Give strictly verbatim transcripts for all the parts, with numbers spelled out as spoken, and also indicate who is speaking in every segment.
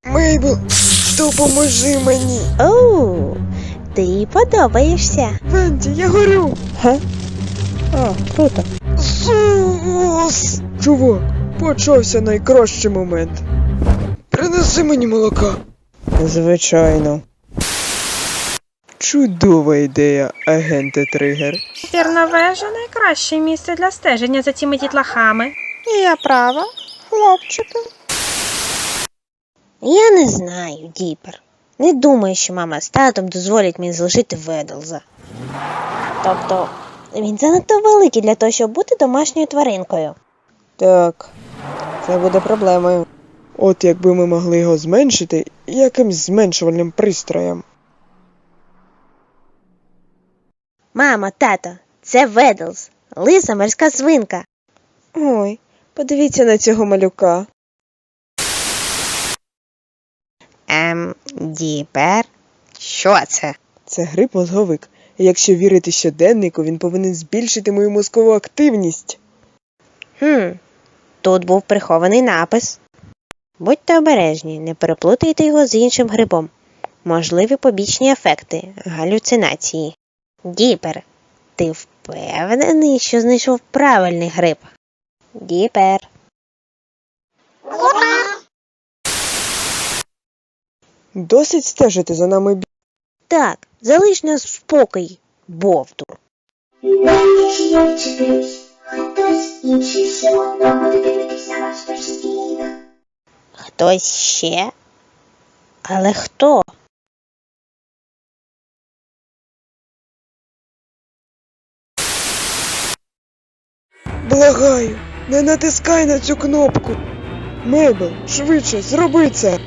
Speaker 1: Мейбл, допоможи мені.
Speaker 2: Оу, ти їй подобаєшся.
Speaker 1: Венді, я горю.
Speaker 2: Га? О, круто.
Speaker 1: Сус! Чувак, почався найкращий момент. Принеси мені молока. Звичайно. Чудова ідея, агенте Тригер.
Speaker 3: Вірна вежа – найкраще місце для стеження за цими дітлахами.
Speaker 2: Я права, хлопчики? Я не знаю, Діпер. Не думаю, що мама з татом дозволять мені залишити Ведлза. Тобто, він занадто великий для того, щоб бути домашньою тваринкою.
Speaker 1: Так, це буде проблемою. От якби ми могли його зменшити якимсь зменшувальним пристроєм.
Speaker 2: Мамо, тато, це Ведлз, лиса морська свинка.
Speaker 1: Ой, подивіться на цього малюка.
Speaker 2: Ем, Діпер? Що це?
Speaker 1: Це грип-мозговик. І якщо вірити щоденнику, він повинен збільшити мою мозкову активність.
Speaker 2: Хм, тут був прихований напис. Будьте обережні, не переплутайте його з іншим грибом. Можливі побічні ефекти, галюцинації. Діпер, ти впевнений, що знайшов правильний гриб? Діпер.
Speaker 1: Досить стежити за нами бі...
Speaker 2: Так, залиш нас в спокій, бовтур.
Speaker 4: Хтось інший все одно буде дивитися на нас постійно.
Speaker 2: Хтось ще? Але хто?
Speaker 1: Благаю, не натискай на цю кнопку. Мейбл, швидше, зроби це.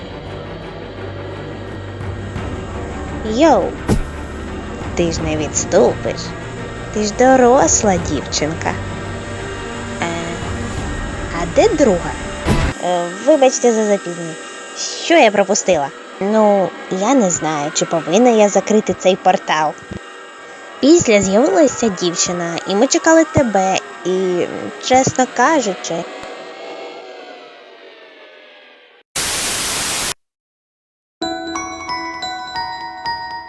Speaker 2: Йоу, ти ж не відступиш. Ти ж доросла дівчинка. Е, а де друга? Е, вибачте за запізнення. Що я пропустила? Ну, я не знаю, чи повинна я закрити цей портал. Після з'явилася дівчина, і ми чекали тебе, і, чесно кажучи,